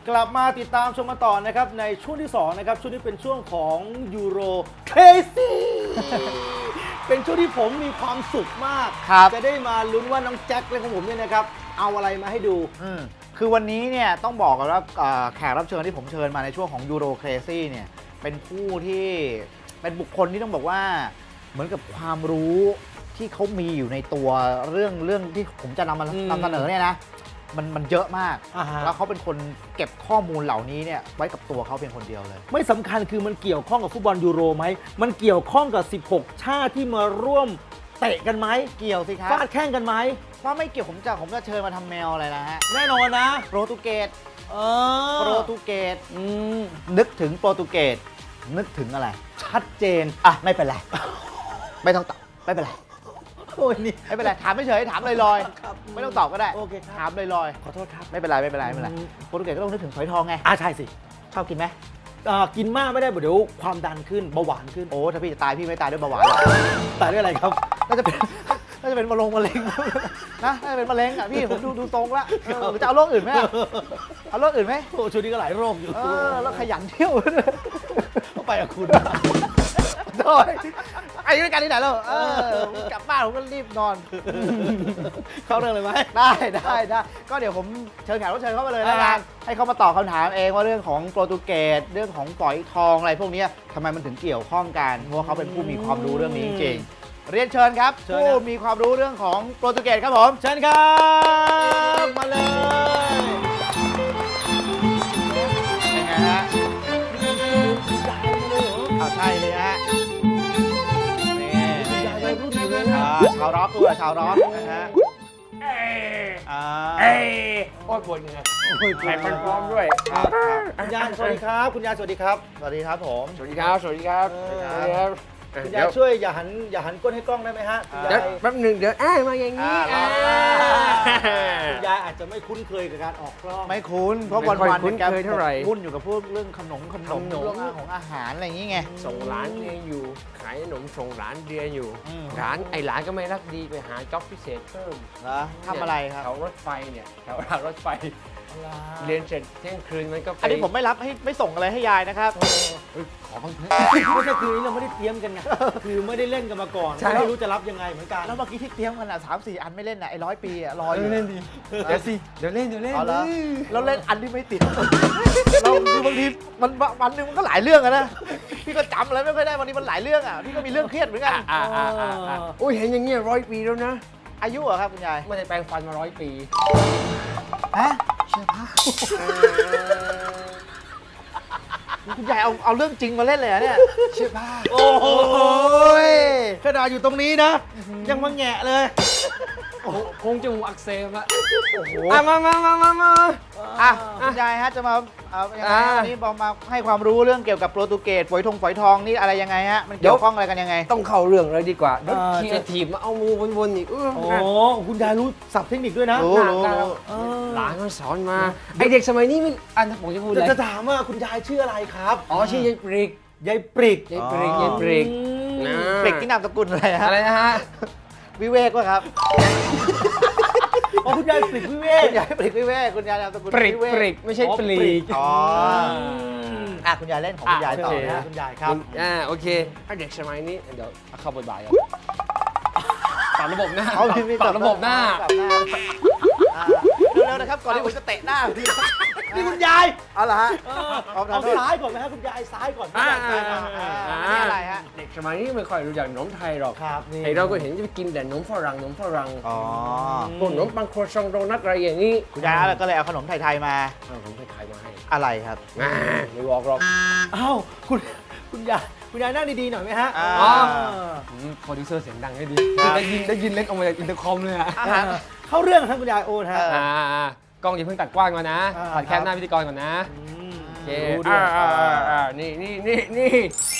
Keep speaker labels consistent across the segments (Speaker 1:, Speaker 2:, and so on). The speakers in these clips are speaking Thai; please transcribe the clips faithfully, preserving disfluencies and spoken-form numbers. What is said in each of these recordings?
Speaker 1: กลับมาติดตามชมมาต่อนะครับในช่วงที่สองนะครับช่วงนี้เป็นช่วงของยูโรเคซี่เป็นช่วงที่ผมมีความสุขมากจะได้มาลุ้นว่าน้องแจ็คและของผมเนี่ยนะครับเอาอะไรมาให้ดู
Speaker 2: คือวันนี้เนี่ยต้องบอกกันว่าแขกรับเชิญที่ผมเชิญมาในช่วงของยูโรเคซี่เนี่ยเป็นผู้ที่เป็นบุคคลที่ต้องบอกว่าเหมือนกับความรู้ที่เขามีอยู่ในตัวเรื่องเรื่องที่ผมจะนำมานำเสนอเนี่ยนะมันมันเยอะมากแล้วเขาเป็นคนเก็บข้อมูลเหล่านี้เนี่ยไว้กับตัวเขาเพียงคนเดียวเลย
Speaker 1: ไม่สำคัญคือมันเกี่ยวข้องกับฟุตบอลยูโรไหมมันเกี่ยวข้องกับสิบหกชาติที่มาร่วมเตะกันไหม
Speaker 2: เกี่ยวสิครับ
Speaker 1: ฟาดแข่งกันไหม
Speaker 2: ว่าไม่เกี่ยวผมจะผมจะเชิญมาทำแมวอะไรนะฮะ
Speaker 1: แน่นอนนะ
Speaker 2: โปรตุเกส
Speaker 1: โป
Speaker 2: รตุเกสนึกถึงโปรตุเกสนึกถึงอะไร
Speaker 1: ชัดเจน
Speaker 2: อ่ะไม่เป็นไรไม่ต้องตอบไม่เป็นไรโอ้ยนี่ไม่เป็นไรถามไม่เฉยถามลอยๆไม่ต้องตอบก็ได้
Speaker 1: โอเค
Speaker 2: ถามลอย
Speaker 1: ๆขอโทษครับ
Speaker 2: ไม่เป็นไรไม่เป็นไรไม่เป็นไรโปรตุเกสก็ต้องนึกถึงฝอยทองไง
Speaker 1: อ่ะใช่สิ
Speaker 2: ชอบกินไหม
Speaker 1: กินมากไม่ได้เดี๋ยวความดันขึ้นเบาหวานขึ้น
Speaker 2: โอ้ถ้าพี่จะตายพี่ไม่ตายด้วยเบาหวาน
Speaker 1: ตายด้วยอะไรครับ
Speaker 2: น่าจะเป็นน่าจะเป็นมะเร็งมะเร็งนะน่าจะเป็นมะเร็งอ่ะพี่ผมดูดูตรงละหรือจะเอาโรคอื่นไหมเอาโรคอื่นไหม
Speaker 1: โอ้ช่วงนี้ก็หลายโรคอยู่
Speaker 2: แล้วขยันเที่ยว
Speaker 1: ไปกับคุณ
Speaker 2: โดยไอ้ด้วยกันที่ไหนแล้วกลับบ้านผมก็รีบนอน
Speaker 1: เข้าเรื่องเลยไหม
Speaker 2: ได้ได้ได้ก็เดี๋ยวผมเชิญแขกรับเชิญเข้ามาเลยนะกันให้เขามาตอบคำถามเองว่าเรื่องของโปรตุเกสเรื่องของฝอยทองอะไรพวกนี้ทำไมมันถึงเกี่ยวข้องกันเพราะเขาเป็นผู้มีความรู้เรื่องนี้จริงเรียนเชิญครับผู้มีความรู้เรื่องของโปรตุเกสครับผม
Speaker 1: เชิญครับมาเลย
Speaker 2: เป็นไงฮะใช่เลยฮะชาวร็อกด้วยชาวร็อกนะฮะ
Speaker 3: เอ้เอ้โอ้ยปวดเหงื่อแข่งมันพร้อมด้วย
Speaker 1: คุณยายสวัสดีครับคุณยายสวัสดีครับ
Speaker 2: สวัสดีครับผม
Speaker 3: สวัสดีครับสวัสดีครับ
Speaker 1: คุณยายช่วยอย่าหันอย่าหันก้นให้กล้องได้ไหมฮะคุณยาย
Speaker 3: แป๊บหนึ่งเดี๋ยวอ้ามาอย่างนี้
Speaker 1: คุณยายอาจจะไม่คุ้นเคยกับการออกกล้อง
Speaker 2: ไม่คุ้นเพราะวันวัน
Speaker 3: คุ้นเคยเท่าไหร่
Speaker 2: คุ้นอยู่กับพวกเรื่องขนมขนมเรื่องของอาหารอะไรอย่างนี้ไง
Speaker 3: ส่งร้านเรียนอยู่ขายขนมส่งร้านเรียนอยู่ร้านไอ้ร้านก็ไม่รักดีไปหาจ็อบพิเศษเพิ่ม
Speaker 2: นะทำอะไรครับ
Speaker 3: แถวรถไฟเนี่ยแถวรางรถไฟเรียนเสร็จเที่ยงคืนมันก็
Speaker 2: อันนี้ผมไม่รับให้ไม่ส่งอะไรให้ยายนะครับ
Speaker 3: ขอบ้าง
Speaker 1: ไม่ใช่คือเราไม่ได้เตรียมกันไงคือไม่ได้เล่นกันมาก่อนไม่รู้จะรับยังไงเหมือนกัน
Speaker 2: แล้วเมื่อกี้ที่เตรียมกันอ่ะสามสี่อันไม่เล่นอ่ะไอ้ร้อยปีอ่ะรออยู่
Speaker 3: เล่นดีเดี๋ยวสิเดี๋ยวเล่นเดี๋ยวเล่น
Speaker 2: แล้วเล่นอันที่ไม่ติดเราคือบางทีมันวันหนึ่งมันก็หลายเรื่องอะนะพี่ก็จำอะไรไม่ค่อยได้วันนี้มันหลายเรื่องอ่ะพี่ก็มีเรื่องเครียดเหมือนกัน
Speaker 3: โอ้ยเห็นอย่างเงี้ยร้อยปีแล้วนะ
Speaker 2: อายุเหรอครับคุณยาย
Speaker 3: ไม่ได้แปลงฟันมาร้อยปี
Speaker 2: ฮะเชื่อผ้าคุณยายเอาเอาเรื่องจริงมาเล่นเลยเนี่ย
Speaker 3: เชื่อผ้า
Speaker 1: โอ้โหขนาดอยู่ตรงนี้นะยังมาแงะเลย
Speaker 3: คงจมูกอักเสบอะ
Speaker 2: โอ้โห
Speaker 3: มามามามามา
Speaker 2: อ่ะคุณยายฮะจะมาเอาวันนี้บอกมาให้ความรู้เรื่องเกี่ยวกับโปรตุเกสฝอยทองฝอยทองนี่อะไรยังไงฮะมันเกี่ยวข้องอะไรกันยังไง
Speaker 3: ต้องเข้าเรื่องเลยดีกว่าแล้วคีย์ทีมมาเอามือวนๆอีก
Speaker 1: โอ้คุณยายรู้ศัพท์เทคนิคด้วยนะ
Speaker 2: รู้รู้
Speaker 3: หลานเขาสอนมาไอเด็กสมัยนี้มันอันผมจะพูดอะไร
Speaker 1: จะถามว่าคุณยายชื่ออะไรครับ
Speaker 3: อ๋อชื่อยายปริก
Speaker 1: ยายปริก
Speaker 3: ยายปริกยายปริก
Speaker 2: ปริกที่นามสกุลอะไรฮะ
Speaker 3: อะไรนะฮะ
Speaker 2: วิเวกวะครับ
Speaker 1: อ๋อคุณยายปริกวิเวก
Speaker 2: คุณยายปริกวิเวกคุณยายนามสกุล
Speaker 3: ปริกปริกไม่ใช่ปลีก
Speaker 2: อ๋ออ่ะคุณยายเล่นของคุณยายต่อนะ
Speaker 1: คุณยายครับ
Speaker 3: อ่าโอเคถ้าเด็กสมัยนี้เดี๋ยวเข้าบทบาทกันปรับระบบหน้าปรับระบบหน้า
Speaker 2: เร็วๆนะครับก่อนที่ผมจะเตะหน้า
Speaker 1: นี่คุณยาย
Speaker 2: เอาล่ะฮะ
Speaker 1: เอาซ้ายก่อนไหมครับคุณยายซ้ายก่อน
Speaker 2: นี่อะไรฮะ
Speaker 3: เด็กสมัยนี้ไม่ค่อยรู้จักขนมไทยหรอก
Speaker 1: ครับ
Speaker 3: ไอเราก็เห็นจะกินแต่ขนมฝรั่งขนมฝรั่งอ๋อพวกขนมปังโคชองโดนัทอะไรอย่างนี้
Speaker 2: คุณยายก็เลยเอาขนมไทยๆมา
Speaker 3: เอาขนมไทยๆมาให้
Speaker 2: อะไรครับ
Speaker 3: ไม่บอกหรอก
Speaker 1: อ้าวคุณคุณยายคุณยายนั่งดีๆหน่อยไหมฮะ
Speaker 3: อ๋อโปรดิวเซอร์เสียงดังให้ดีได้ยินได้ยินเล็กออกมาจากอินเตอร์คอมเลยอะ
Speaker 1: เข้าเรื่องครับคุณยายโอนฮะ
Speaker 3: กล้องอย่าเพิ่งตัดกว้างก่อนนะตัดแค่หน้าพิธีกรก่อนนะโอเคนี่นี่นี่นี่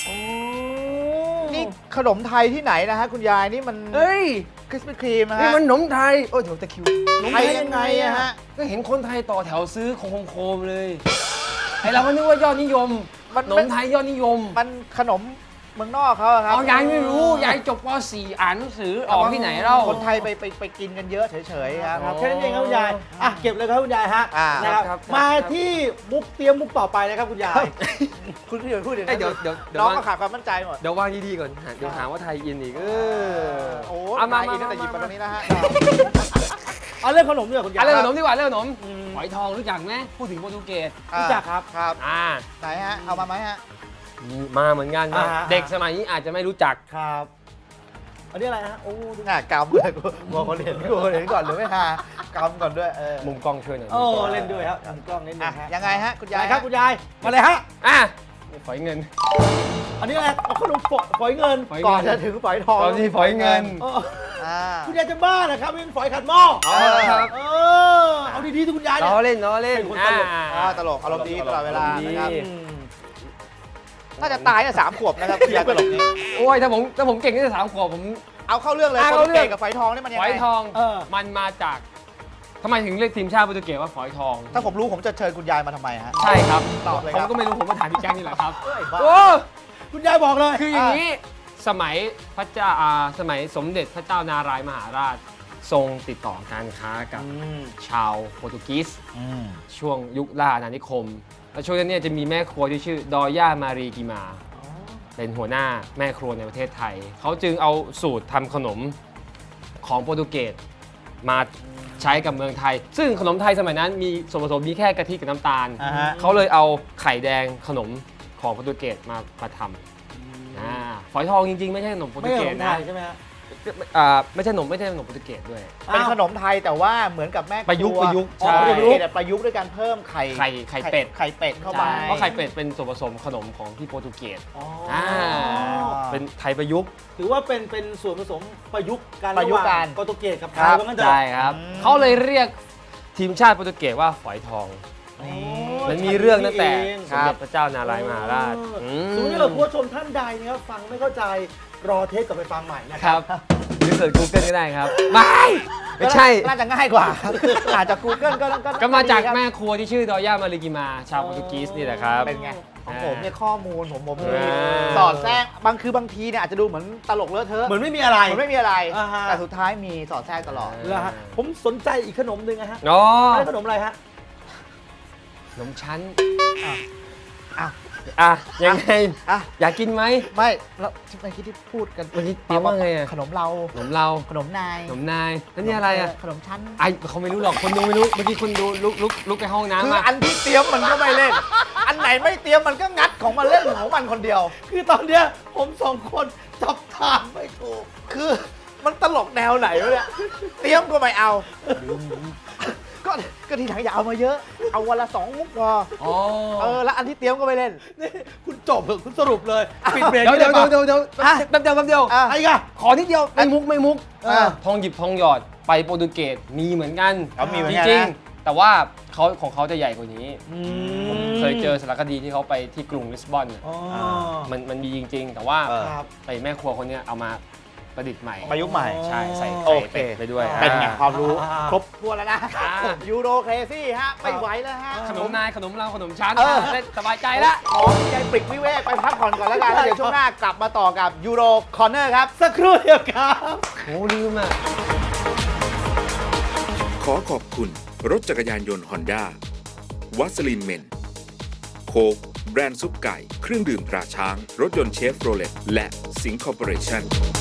Speaker 2: นี่ขนมไทยที่ไหนนะฮะคุณยายนี่มัน
Speaker 3: เฮ้ย
Speaker 2: คริสปี้ครีมนะฮะ
Speaker 3: นี่มันขนมไทยโอ้ยเดี๋ยวตะคิว
Speaker 2: ไทยยังไงอะฮะ
Speaker 3: ก็เห็นคนไทยต่อแถวซื้อโคมๆเลยไอเราก็นึกว่ายอดนิยมขนมไทยยอดนิยม
Speaker 2: มันขนมเมืองนอกเขาอะครับ
Speaker 3: เอายายไม่รู้ยายจบป .สี่ อ่านหนังสือออกที่ไหนเล่า
Speaker 2: คนไทยไปไปไปกินกันเยอะเฉยๆครับ
Speaker 1: ครับแค่นั้นเองครับคุณยายอ่ะเก็บเลยครับคุณยายฮะ
Speaker 2: อ่า
Speaker 1: นะครับ
Speaker 3: ครับ
Speaker 1: มาที่มุกเตรียมมุกต่อไปนะครับคุณยาย
Speaker 2: คุณพี่เดี๋ยวพูดอย่าง
Speaker 3: เอ้
Speaker 2: นั้
Speaker 3: ย
Speaker 2: น
Speaker 3: เดี๋ยวเดี๋ยวเดี๋ยว
Speaker 2: น้อง
Speaker 3: วาง
Speaker 2: ก็ขาดความมั่นใจหมด
Speaker 3: เดี๋ยววางดีๆก่อนเดี๋ยวหาว่าไทยอินอีกเออ
Speaker 2: โอ้
Speaker 3: เอามา
Speaker 2: มา
Speaker 3: มา
Speaker 2: อีกตั้งแต่หยิบ
Speaker 3: มา
Speaker 2: มาตรงนี้แล้วฮะ
Speaker 1: เอาเรื่องขนมดีกว่าคุณยาย
Speaker 3: อ่ะเรื่องขนมดีกว่าเรื่องขนม
Speaker 1: อืม
Speaker 3: ฝอยทองรู้จักไหมพูดถึงโปรตุเกส
Speaker 1: รู้จักครับ
Speaker 2: ครับ
Speaker 3: อ่า
Speaker 2: ไหนฮะเอามาไหมฮะ
Speaker 3: มีมาเหมือนกัน
Speaker 1: อ่า
Speaker 3: เด็กสมัยนี้อาจจะไม่รู้จัก
Speaker 1: ครับอันนี้อะไรฮะโอ้ดู
Speaker 2: หน้ากำเลยกูกลัวคนเห็นกลัวคนเห็นก่อนหรือไม่ฮากำก่อนด้วยเออ
Speaker 3: มุมกล้องช่วยหน่อย
Speaker 1: โอ้เล่นด้วยครับทำกล้องเล่นด้ว
Speaker 2: อ่ะ
Speaker 1: ยฮะ
Speaker 2: ยังไงฮะคุณยาย
Speaker 1: อะไรครับคุณยายมาเลยฮะ
Speaker 3: อ่ะฝอยเงิน
Speaker 1: อันนี้อะไรเอาขนมฝอยฝอยเงิน
Speaker 3: ฝอย
Speaker 2: ก่อน
Speaker 3: เงิ
Speaker 2: จะ
Speaker 3: น
Speaker 2: ถึงฝอยทอง
Speaker 3: ตอนที่ฝอยเงิน
Speaker 1: เออ
Speaker 2: อ่า
Speaker 1: คุณยายจะบ้าเหรอครับเป็นฝอยขัดหม้อ
Speaker 3: เอาละครับ
Speaker 1: เออเอาดีๆที่คุณยาย
Speaker 3: ล้
Speaker 1: เนี่
Speaker 3: อย เล่นล้อเล่น
Speaker 1: เป็นคนตลก
Speaker 3: อ่า
Speaker 2: อ่าตลกอารมณ์ดีตลอดเวลา
Speaker 3: อารมณ์ดี
Speaker 2: นะครับ
Speaker 1: อืม
Speaker 2: น่าจะตายตั้งสามขวบนะครับคุณยายตลกนี้
Speaker 3: โอ้ยถ้าผมถ้าผมเก่งตั้งแต่สามขวบผม
Speaker 2: เอาเข้าเรื่องเลย
Speaker 3: อ่ะ
Speaker 2: โปร
Speaker 3: เข้า
Speaker 2: ตุ
Speaker 3: เรื่
Speaker 2: เก
Speaker 3: อง
Speaker 2: สกับฝอยทองนี่มันยัง
Speaker 3: ฝ
Speaker 2: ไง
Speaker 3: อยทอง
Speaker 1: เออ
Speaker 3: มันมาจากทำไมถึงเรียกทีมชาติโปรตุเกสว่าฝอยทอง
Speaker 2: ถ้าผมรู้ผมจะเชิญคุณยายมาทำไมฮะ
Speaker 3: ใช่ครับ
Speaker 2: ตอบเลย
Speaker 3: ผม
Speaker 2: ครับ
Speaker 3: ก็ไม่รู้ผมก็ถามพี่แจ้งนี่แหละครับ
Speaker 2: เอ้ยบ้า
Speaker 3: โอ้
Speaker 1: คุณยายบอกเลย
Speaker 3: คืออย่างนี้สมัยพระเจ้าอ่าสมัยสมเด็จพระเจ้านารายมหาราช ทรงติดต่อการค้ากับ
Speaker 1: อืม
Speaker 3: ชาวโปรตุเกส
Speaker 2: อืม
Speaker 3: ช่วงยุคล่าอาณานิคม แล้วช่วงนั้นเนี่ยจะมีแม่ครัวที่ชื่อดอย่ามารีกิมา เป็นหัวหน้าแม่ครัวในประเทศไทย เขาจึงเอาสูตรทำขนมของโปรตุเกสมาใช้กับเมืองไทย ซึ่งขนมไทยสมัยนั้นมีส่วนผสมมีแค่กะทิกับน้ำตาล
Speaker 2: อ่าฮะ
Speaker 3: เขาเลยเอาไข่แดงขนมของโปรตุเกสมามาทำอ่าฝอยทองจริงๆ ไม่ใช่ขนมโปร
Speaker 1: ไม่
Speaker 3: ตุ
Speaker 1: ใช่
Speaker 3: เก
Speaker 1: ข
Speaker 3: ส
Speaker 1: นมไท
Speaker 3: นะ
Speaker 1: ยใช่ไหมฮะ
Speaker 3: อ่าไม่ใช่ขนมไม่ใช่ขนมโปรตุเกสด้วย
Speaker 2: เป็นขนมไทยแต่ว่าเหมือนกับแม่ค
Speaker 3: ประยุกต์
Speaker 2: ว
Speaker 3: ประยุกต์
Speaker 2: อ๋อ
Speaker 3: ใช่
Speaker 2: ประยุกต์แต่ประยุกต์ด้วยการเพิ่มไข่
Speaker 3: ไข่ไข่เป็ด
Speaker 2: ไข่เป็ดเข้าไป
Speaker 3: ใช่เพราะไข่เป็ดเป็นส่วนผสมขนมของที่โปรตุเกส
Speaker 1: อ๋อ
Speaker 3: อ่า เป็นไทยประยุกต์
Speaker 1: ถือว่าเป็นเป็นส่วนผสมประยุกต์กัน
Speaker 2: ประยุกต์กัน
Speaker 1: โปรตุเกสกับไท
Speaker 2: ครั
Speaker 1: ย
Speaker 2: บ
Speaker 1: ว่างั้นเถอะ
Speaker 3: ใช่ครับ
Speaker 2: อืม
Speaker 3: เขาเลยเรียกทีมชาติโปรตุเกสว่าฝอยทอง
Speaker 1: อ๋อ
Speaker 3: มันมีเรื่องตั้งแต่
Speaker 1: นี่เอง
Speaker 3: สมเด็จพระเจ้านารายมหาราช
Speaker 1: เออ
Speaker 3: อืม
Speaker 1: สมมติถ้าเราผู้ชมท่านใดนะครับฟังไม่เข้าใจรอเทปกลับไปฟังใหม่นะ
Speaker 3: ค
Speaker 1: ค
Speaker 3: รั
Speaker 1: รั
Speaker 3: บบ หรือเสิร์ช Google ก็ได้ครับ ไม่ไม่ใช่
Speaker 2: น่าจะง่ายกว่าครับอาจจะ Google ก็ก็
Speaker 3: ก็มาจาก
Speaker 2: ดีครับ
Speaker 3: แม่ครัวที่ชื่อดอย่ามาริกิมา ชาวโปรตุเกสนี่แหละครับ
Speaker 2: เป็นไงของผมเนี่ยข้อมูลผมผมมี
Speaker 3: อ่า
Speaker 2: สอดแทรกบางคือบางทีเนี่ยอาจจะดูเหมือนตลกเลอะเทอะ
Speaker 1: เหมือนไม่มีอะไร
Speaker 2: เหมือนไม่มีอะไร
Speaker 1: อ่าฮะ
Speaker 2: แต่สุดท้ายมีสอดแทรกตลอด
Speaker 1: แล้วฮะผมสนใจอีกขนมหนึ่งนะฮะ
Speaker 3: อ๋อ
Speaker 1: อะไรขนมอะไรฮะ
Speaker 3: ขนมชั้น
Speaker 2: อ่ะอ่ะ
Speaker 3: อ่ะ ยังไง
Speaker 2: อ่ะ
Speaker 3: อยากกินไหม
Speaker 2: ไม่แล้วที่เมื่อกี้ที่พูดกัน
Speaker 3: วันนี้เตรียมว่าไงอะ
Speaker 2: ขนมเรา
Speaker 3: ขนมเรา
Speaker 2: ขนมนาย
Speaker 3: ขนมนาย แล้วนี่อะไรอ่ะ
Speaker 2: ขนมชั้น
Speaker 3: ไอเขาไม่รู้หรอก คนดูไม่รู้ เมื่อกี้คนดูลุกลุกลุกไปห้อง
Speaker 2: คือ
Speaker 3: น้ำมา
Speaker 2: อันที่เตรียมมันก็ไม่เล่น อันไหนไม่เตรียมมันก็งัดของมันเล่นของมันคนเดียว
Speaker 1: คือตอนเนี้ยผมสองคนจับทางไม่ถูก
Speaker 2: คือมันตลกแนวไหนวะเนี่ย เตรียมก็ไม่เอา ก็ก็ทีหลังอย่าเอามาเยอะ เอาวันละสองมุกพอ
Speaker 3: อ๋อ
Speaker 2: เออแล้วอันที่เตรียมก็ไม่เล่น
Speaker 1: นี่คุณจบเถอะคุณสรุปเลยปิดเบรก
Speaker 3: เดี๋ยว
Speaker 1: นี่
Speaker 3: เดี๋ยว
Speaker 1: ได้ปะ
Speaker 3: เดี๋ยวเดี๋ยว
Speaker 2: อ่ะ
Speaker 3: แป๊บเดียวแป๊บเดียว
Speaker 2: อ่ะ
Speaker 1: ไอ้กะ
Speaker 3: ขอนิดเดียวไม่มุกไม่มุก
Speaker 1: เออ
Speaker 3: ทองหยิบทองหยอดไปโปรตุเกสมีเหมือนกัน
Speaker 2: เอามีเหมือน
Speaker 3: จ
Speaker 2: กัน
Speaker 3: ริง
Speaker 2: นะ
Speaker 3: ๆ แต่ว่าเขาของเขาจะใหญ่กว่านี้
Speaker 1: อื
Speaker 3: ผมเคยเจอสารคดีที่เขาไปที่กรุงลิสบอนน่ะ
Speaker 1: อ๋อ
Speaker 3: มันมันมีจริง ๆ แต่ว่า
Speaker 2: เออ
Speaker 1: ครับ
Speaker 3: ไอ้แม่ครัวคนเนี้ยเอามาประดิษฐ์ใหม่
Speaker 2: ประยุกต์ใหม่
Speaker 3: ใช่ใส่
Speaker 2: โอ
Speaker 3: ไข่
Speaker 2: เค
Speaker 3: เป็ดไปด้วย
Speaker 2: เป็นไง
Speaker 3: อ่า
Speaker 2: ความรู้
Speaker 1: อ่า
Speaker 2: ครบถ้วนแล้วนะ
Speaker 3: อ่า
Speaker 2: ยูโรเคซี่ฮะ ไม่ไหวแล้วฮะ
Speaker 3: ขนมนายขนมเราขนมชั้น
Speaker 2: เออ
Speaker 3: เล่นสบายใจแล้ว
Speaker 2: ขอใจปริกวิเวกไปพักผ่อนก่อนแล้วกันแล้วเดี๋ยวช่วงหน้ากลับมาต่อกับยูโรคอร์เนอร์ครับ
Speaker 1: สักครู่เดียวครับ
Speaker 3: โอ้ลืมอ่ะ
Speaker 4: ขอขอบคุณรถจักรยานยนต์ฮอนด้าวัสลินเมนโค้กแบรนด์ซุปไก่ เครื่องดื่มตราช้าง รถยนต์เชฟโรเลตและสิงคอร์ปอเรชั่น